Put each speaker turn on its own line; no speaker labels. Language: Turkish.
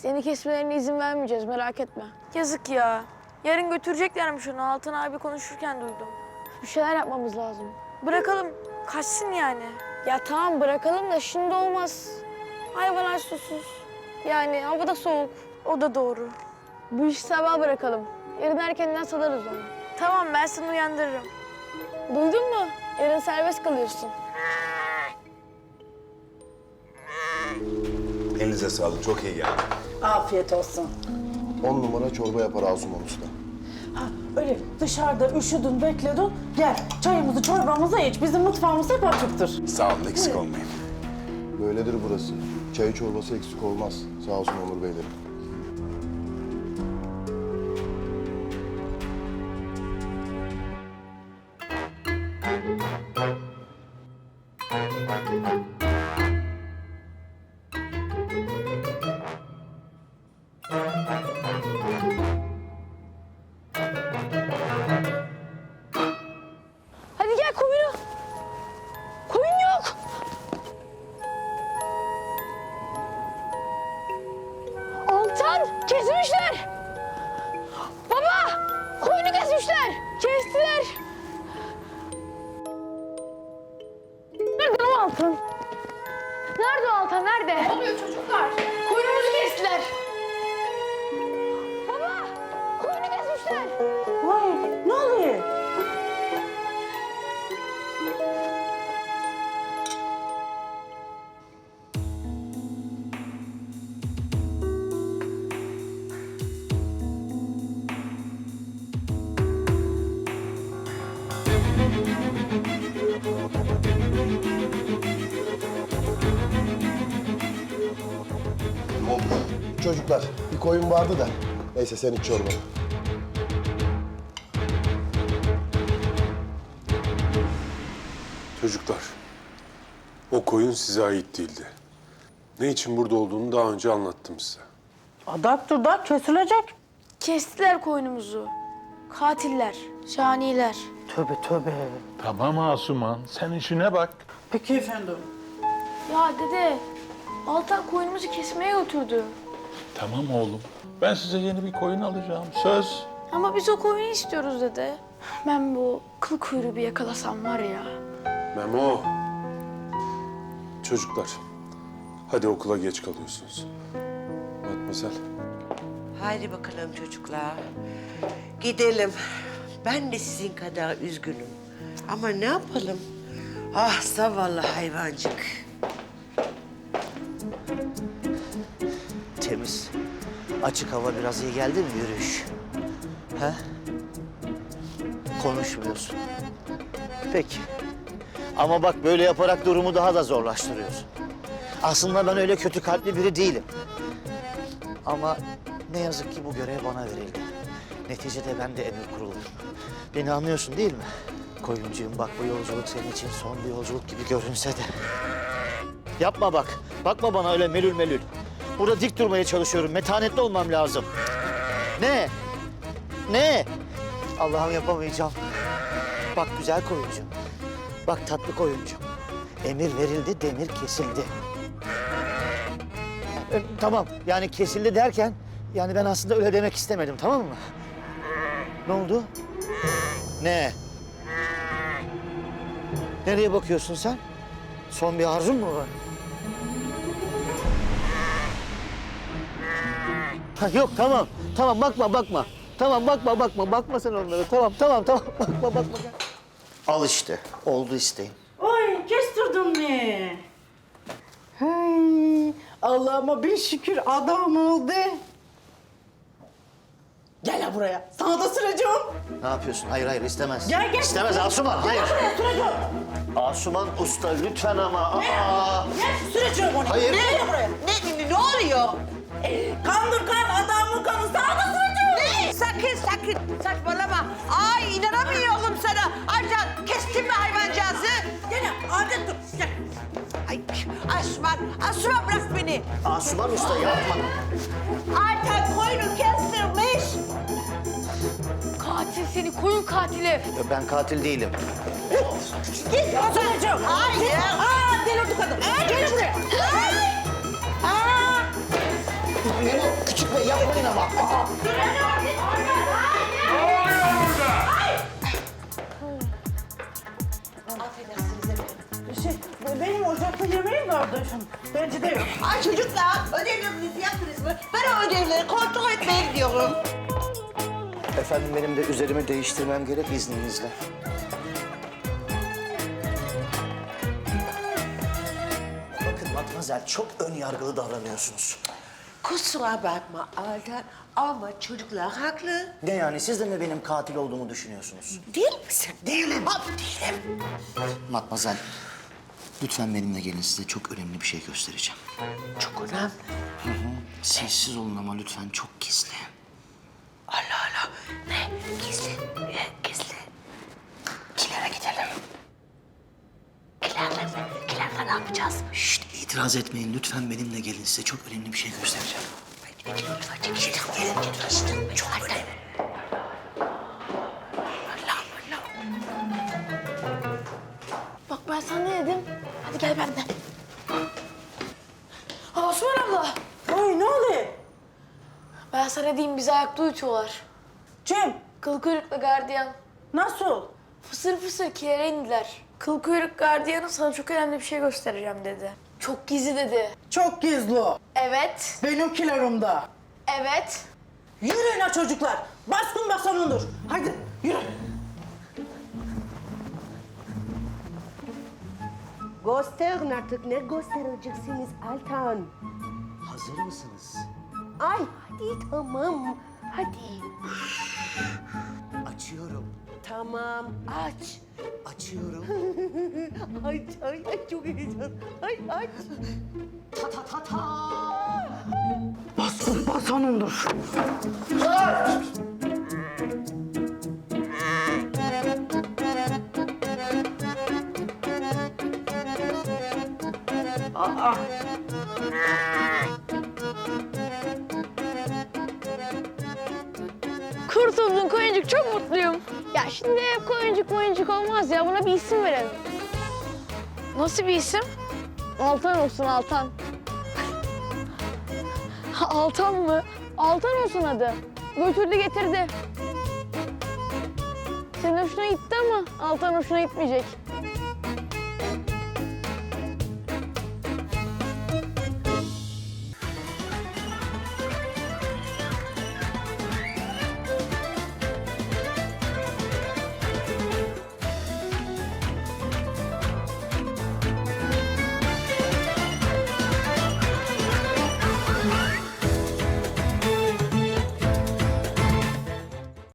Seni kesmelerine izin vermeyeceğiz, merak etme.
Yazık ya. Yarın götüreceklermiş onu. Altan abi konuşurken duydum.
Bir şeyler yapmamız lazım.
Bırakalım. Kaçsın yani.
Ya tamam bırakalım da şimdi olmaz. Hayvanlar susuz. Yani havada soğuk.
O da doğru.
Bu işi sabah bırakalım. Yarın erkenden salarız onu.
Tamam, ben seni uyandırırım.
Duydun mu? Yarın serbest kalıyorsun.
Elinize sağlık, çok iyi geldi.
Afiyet olsun.
10 numara çorba yapar Asuman Usta.
Ha, öyle dışarıda üşüdün, bekledin. Gel çayımızı, çorbamızı iç. Bizim mutfağımız hep açıktır.
Sağ olun, eksik olmayın.
Böyledir burası. Çayı çorbası eksik olmaz. Sağ olsun Onur Beylerim.
Hadi gel koyunu. Koyun yok. Altan kesmişler. Baba koyunu kesmişler. Kestiler. Nerede o Altan? Nerede o Altan? Nerede? Ne oluyor çocuklar? Koyunumuzu kestiler. Baba koyunu kesmişler.
Vay, ne oluyor?
Çocuklar bir koyun vardı da. Neyse sen iç çorbanı.
Çocuklar, o koyun size ait değildi. Ne için burada olduğunu daha önce anlattım size.
Adaptır da kesilecek.
Kestiler koyunumuzu. Katiller, caniler.
Tövbe tövbe.
Tamam Asuman, sen işine bak.
Peki efendim.
Ya dede, Altan koyunumuzu kesmeye götürdü.
Tamam oğlum, ben size yeni bir koyun alacağım, söz.
Ama biz o koyunu istiyoruz dede. Ben bu kıl kuyruğu bir yakalasam var ya.
Memo. Çocuklar, hadi okula geç kalıyorsunuz. Matmazel.
Haydi bakalım çocuklar. Gidelim. Ben de sizin kadar üzgünüm. Ama ne yapalım? Ah zavallı hayvancık.
Temiz. Açık hava biraz iyi geldi mi yürüyüş? He? Konuşmuyorsun. Peki. Ama bak böyle yaparak durumu daha da zorlaştırıyorsun. Aslında ben öyle kötü kalpli biri değilim. Ama ne yazık ki bu görev bana verildi. Neticede ben de emir kuruluyum. Beni anlıyorsun değil mi? Koyuncuyum bak bu yolculuk senin için son bir yolculuk gibi görünse de. Yapma bak. Bakma bana öyle melül melül. Burada dik durmaya çalışıyorum. Metanetli olmam lazım. Ne? Ne? Allah'ım yapamayacağım. Bak güzel koyuncum. Bak tatlı koyuncum. Emir verildi, demir kesildi. Tamam, yani kesildi derken... yani ben aslında öyle demek istemedim, tamam mı? Ne oldu? Ne? Nereye bakıyorsun sen? Son bir arzun mu var? Ha, yok, tamam. Tamam, bakma. Tamam, bakma. Bakma sen onlara. Tamam. Bakma. Al işte, oldu isteğim.
Oy, kestirdin mi? Hey, Allah'ıma bin şükür adam oldu. Gel ha buraya. Sana da süreceğim.
Ne yapıyorsun? Hayır, istemez.
Gel.
İstemez Asuman, hayır.
Buraya süreceğim.
Asuman Usta, lütfen ama. Aa!
Gel süreceğim onu.
Hayır.
Gel buraya.
Ne oluyor?
Kandır kan, adamın kanı. Sana da süreceğim.
Ne? Sakın saçmalama. Ay inanamıyorum sana. Aycan kestin mi hayvancağızı?
Gel adet dur. Gel.
Ay Asuman bırak beni.
Asuman Usta yapma.
Aycan koyunu kestirmiş.
Katil seni, koyun katili.
Ben katil değilim.
Git süreceğim.
Hayır.
Aa delirdi kadın. Gel buraya.
Memo, küçük bey yapmayın ama. Aa.
Benim ocakta yemeğim vardı efendim. Bence de yok.
Ay çocuklar ödevlerinizi yaptınız mı? Ben o ödevleri kontrol etmeye gidiyorum.
Efendim benim de üzerimi değiştirmem gerek izninizle. Bakın Matmazel çok ön yargılı davranıyorsunuz.
Kusura bakma Altan ama çocuklar haklı.
Ne yani siz de mi benim katil olduğumu düşünüyorsunuz?
Değil misin? Değilim. Değilim.
Matmazel, lütfen benimle gelin size çok önemli bir şey göstereceğim.
Çok önemli.
Sessiz olun ama lütfen çok gizli.
Allah Allah. Ne? Gizli. Gizli. Kilere gidelim. Kilerle mi? Kilerle ne yapacağız?
Şşt, itiraz etmeyin lütfen benimle gelin size çok önemli bir şey göstereceğim.
Gelin gidin. Çok önemli.
Bak ben sana ne dedim? Hadi gel benden. Osman abla.
Ay ne oluyor?
Ben sana diyeyim bizi ayakta uyutuyorlar.
Kim?
Kıl kuyrukla gardiyan.
Nasıl?
Fısır fısır kilere indiler. Kıl kuyruk gardiyanı sana çok önemli bir şey göstereceğim dedi. Çok gizli dedi.
Çok gizli o.
Evet,
Benimkilerimde.
evet.
Yürüyün ha çocuklar. Baskın basanındır. Hadi yürü.
Gösterin artık. Ne göstereceksiniz Altan?
Hazır mısınız?
Ay hadi tamam. Hadi.
Açıyorum.
Tamam aç.
Açıyorum.
Ay çok heyecan. Ay aç.
Ta ta ta ta.
Baskın basanındır.
Kurtuldun koyuncuk, çok mutluyum. Ya şimdi hep koyuncuk olmaz ya. Buna bir isim verelim.
Nasıl bir isim?
Altan olsun, Altan. Altan mı? Altan olsun adı. Götürdü getirdi. Senin hoşuna gitti ama Altan hoşuna gitmeyecek.